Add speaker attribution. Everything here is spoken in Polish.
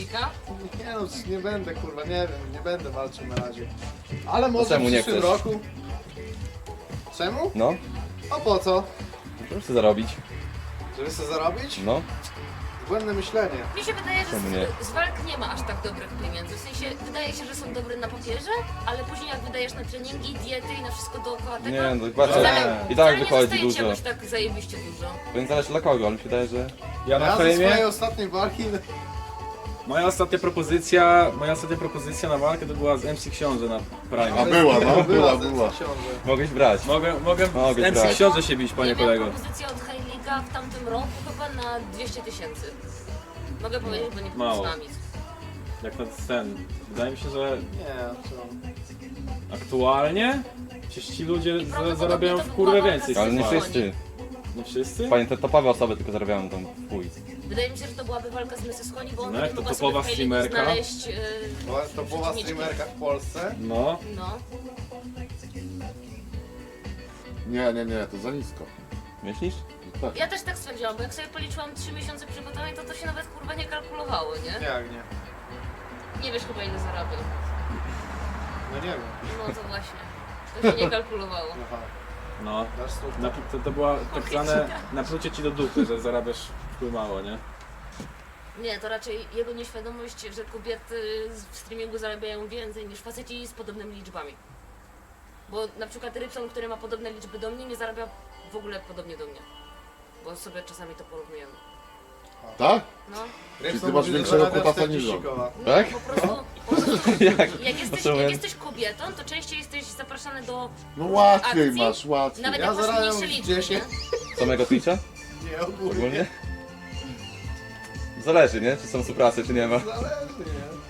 Speaker 1: Nie no, nie będę kurwa, nie wiem, nie będę walczył na razie. Ale może
Speaker 2: czemu
Speaker 1: w
Speaker 2: nie
Speaker 1: przyszłym
Speaker 2: chcesz?
Speaker 1: roku. Czemu?
Speaker 2: No,
Speaker 1: A po co?
Speaker 2: proszę sobie zarobić.
Speaker 1: Żeby sobie zarobić?
Speaker 2: No,
Speaker 1: Błędne myślenie.
Speaker 3: Mi się wydaje, że
Speaker 2: Czemu nie?
Speaker 3: z walk nie ma aż tak dobrych pieniędzy. W sensie wydaje się, że są dobre na papierze, ale później jak wydajesz na treningi, diety i na wszystko dookoła tego,
Speaker 2: nie, no patrzę,
Speaker 3: wcale,
Speaker 2: i
Speaker 3: wcale
Speaker 2: tak
Speaker 3: nie
Speaker 2: wychodzi
Speaker 3: zostaje ci
Speaker 2: dużo.
Speaker 3: jakoś tak zajebiście dużo.
Speaker 2: Więc zależy dla kogo, ale mi się wydaje, że...
Speaker 4: Ja na
Speaker 1: Ja ze swojej
Speaker 4: fejmie,
Speaker 1: ostatniej walki...
Speaker 4: moja ostatnia propozycja na walkę to była z MC Książę na Prime.
Speaker 5: A była, no, była.
Speaker 1: Książę.
Speaker 2: Mogłeś brać.
Speaker 4: Mogę
Speaker 2: Mogę
Speaker 4: z MC
Speaker 2: brać.
Speaker 4: Książę się bić, panie
Speaker 3: Ja miałam
Speaker 4: kolego.
Speaker 3: propozycję od Heinliga w tamtym roku chyba na 200 000. Mogę powiedzieć, bo nie
Speaker 4: Mało.
Speaker 3: znam nic.
Speaker 4: Jak na ten. Wydaje mi się, że
Speaker 1: Nie, co?
Speaker 4: aktualnie przecież ci ludzie
Speaker 3: prawdopodobnie
Speaker 4: zarabiają
Speaker 3: to
Speaker 4: w
Speaker 3: była
Speaker 4: kurwę
Speaker 3: walka
Speaker 4: więcej.
Speaker 3: z
Speaker 2: Ale nie
Speaker 3: Symfonią.
Speaker 2: wszyscy.
Speaker 4: Nie wszyscy?
Speaker 2: Panie, te topowe osoby tylko zarabiają tam chuj.
Speaker 3: Wydaje mi się, że to byłaby walka z Mrs. Honey, bo
Speaker 4: No
Speaker 3: ona
Speaker 4: jak
Speaker 3: nie
Speaker 4: to
Speaker 3: mogła
Speaker 4: topowa
Speaker 3: sobie w Heiligu
Speaker 4: streamerka?
Speaker 3: znaleźć...
Speaker 1: To była streamerka w Polsce.
Speaker 4: No.
Speaker 3: no.
Speaker 5: Nie, to za nisko.
Speaker 2: Myślisz?
Speaker 5: Tak.
Speaker 3: Ja też tak stwierdziłam, bo jak sobie policzyłam 3 miesiące przygotowań, to się nawet kurwa nie kalkulowało, nie?
Speaker 1: Jak nie?
Speaker 3: Nie wiesz chyba ile zarabiał.
Speaker 1: No nie wiem.
Speaker 3: No to właśnie. To się nie kalkulowało.
Speaker 1: Aha,
Speaker 4: No.
Speaker 1: dasz stówkę.
Speaker 4: To była tak zwane naplucie ci do dupy, że zarabiasz wpływ mało, nie?
Speaker 3: Nie, to raczej jego nieświadomość, że kobiety w streamingu zarabiają więcej niż faceci z podobnymi liczbami. Bo na przykład Rybson, który ma podobne liczby do mnie, nie zarabia w ogóle podobnie do mnie. Bo sobie czasami to porównujemy.
Speaker 5: Tak?
Speaker 3: No.
Speaker 5: Czyli ty masz większego kutasa niż on.
Speaker 3: Nie,
Speaker 2: Tak?
Speaker 3: po prostu
Speaker 2: Jak?
Speaker 3: jak jesteś kobietą, to częściej jesteś zapraszany do
Speaker 5: No łatwiej
Speaker 3: akcji.
Speaker 5: masz, łatwiej.
Speaker 3: Nawet
Speaker 1: Ja
Speaker 3: jak masz
Speaker 1: zarabiam
Speaker 3: mniejsze liczby,
Speaker 1: 10.
Speaker 3: nie?
Speaker 2: Samego Twitcha?
Speaker 1: Nie, ogólnie.
Speaker 2: Ogólnie? Zależy, nie? Czy są suprasy, czy nie ma.
Speaker 1: Zależy, nie?